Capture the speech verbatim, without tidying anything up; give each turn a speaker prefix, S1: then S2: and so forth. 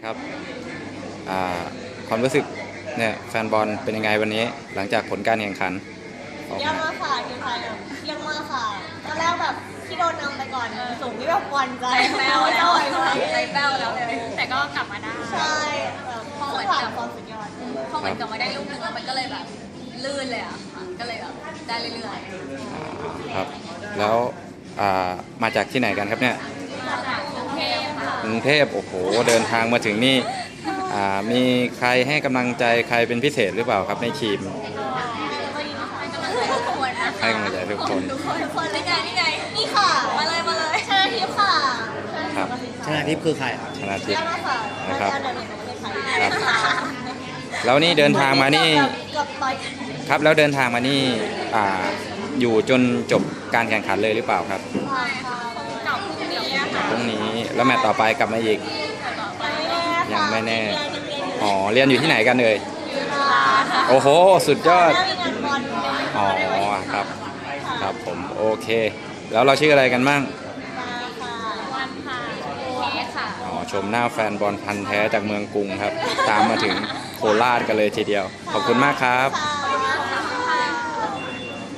S1: ครับความรู้สึกเนี่ยแฟนบอลเป็นยังไงวันนี้หลังจากผลการแข่งขันออก
S2: เยี่ยม
S1: มา
S2: มากค่ะทีมไทยแบบเยี่ยมมากค่ะตอนแรกแบบที่โดนนำไปก่อนสูงที่แบบหวันใจ
S3: ใจแป้วแล้ว
S2: ใจ
S3: ใจแป้วแล้วแต่ก็กลับมาได้
S2: ใช่แบบข้างหลังความสุดยอด
S3: พอมันกลับมาได้ลูกนึงแล้วมันก็เลยแบบลื่นเลยอ่ะค่ะก็เลยแบบได้เรื่อยๆ
S1: ครับแล้วอ่ามาจากที่ไหนกันครับเนี่ย
S3: มาจากกรุงเทพค่ะ
S1: กรุงเทพโอ้โหเดินทางมาถึงนี่อ่ามีใครให้กำลังใจใครเป็นพิเศษหรือเปล่าครับในทีม
S3: ให้กำลังใจทุกคน
S1: ให้กำลังใจทุกคน
S3: ทุกคนทุกคนนี่ไงนี่ไง
S2: นี่ค่ะ
S3: มาเลยมาเลย
S2: ชนะทิพย์ค่ะ
S1: ครับ
S4: ชนะทิพย์คือใครครับ
S1: ชนะทิ
S2: เยี่
S1: พ
S2: ยม
S1: ย์
S2: มากค่ะ
S1: นะครับ
S2: อันดับหนึ่งของประเทศไทย
S1: ครับแล้วนี่เดินทางมานี่
S2: เกือบต่อย
S1: ครับแล้วเดินทางมานี่อ่าอยู่จนจบการแข่งขันเลยหรือเปล่าครับ
S2: ใช่ค่ะ
S3: เก่าพรุ่งนี้อะค่ะ
S1: พรุ่งนี้แล้วแมตช์ต่อไปกลับมาอีก
S3: ต่อไป
S1: ยังไม่แน่
S2: เรียนยังเรียนอยู่
S1: อ๋อเรียนอยู่ที่ไหนกันเลย
S3: จุฬาค่ะ
S1: โอ้โหสุดยอด
S2: แล้วมีงานบอลยังไม่
S1: อ๋อ
S2: ได้ไว้
S1: ครับครับผมโอเค แล้วเราชื่ออะไรกันบ้าง
S2: มาค่ะ
S3: วันค่ะเคสค่ะ
S1: อ๋อชมหน้าแฟนบอลพันธุ์แท้จากเมืองกรุงครับ ตามมาถึงโคราชกันเลยทีเดียว ขอบคุณมากครับ
S2: ค่ะ